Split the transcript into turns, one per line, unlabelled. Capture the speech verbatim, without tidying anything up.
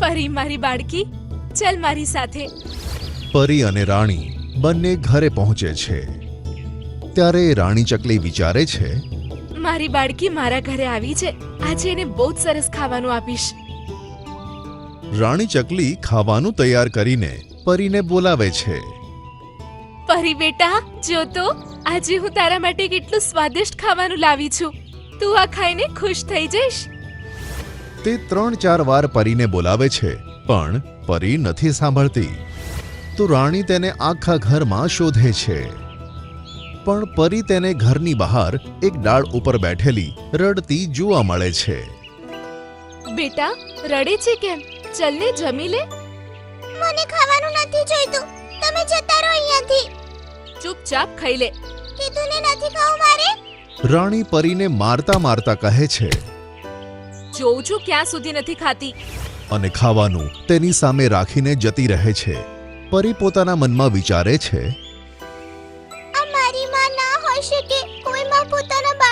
પરી મારી બાળકી, ચલ મારી સાથે.
પરી અને રાણી બંને ઘરે પહોંચે છે. ત્યારે રાણી ચકલી વિચારે છે,
મારી બાળકી મારા ઘરે આવી છે, આજે એને બહુ જ સરસ ખાવાનું આપીશ.
રાણી ચકલી ખાવાનું તૈયાર કરીને પરીને બોલાવે છે.
પરી બેટા, જો તો આજે હું તારા માટે કેટલું સ્વાદિષ્ટ ખાવાનું લાવી છું. તું આ ખાઈને ખુશ થઈ જઈશ.
તે ત્રણ ચાર વાર પરીને બોલાવે છે, પણ પરી નથી સાંભળતી. તો રાણી તેને આખા ઘરમાં શોધે છે, પણ પરી તેને ઘરની બહાર એક ડાળ ઉપર બેઠેલી રડતી જોવા મળે છે.
બેટા, રડે છે કેમ? ચલ ને જમી લે.
મને ખાવાનું નથી જોઈતું, તમે જતા રહો અહીંયાથી.
ચૂપચાપ ખાઈ લે.
કીધું ને નથી ખાવું મારે.
રાણી પરીને મારતા મારતા કહે છે
જોઉં છું ક્યાં સુધી નથી ખાતી.
અને ખાવાનું તેની સામે રાખીને જતી રહે છે. પરી પોતાના મનમાં વિચારે છે,
આ મારી માં ના હોઈ શકે. કોઈ માં પોતાના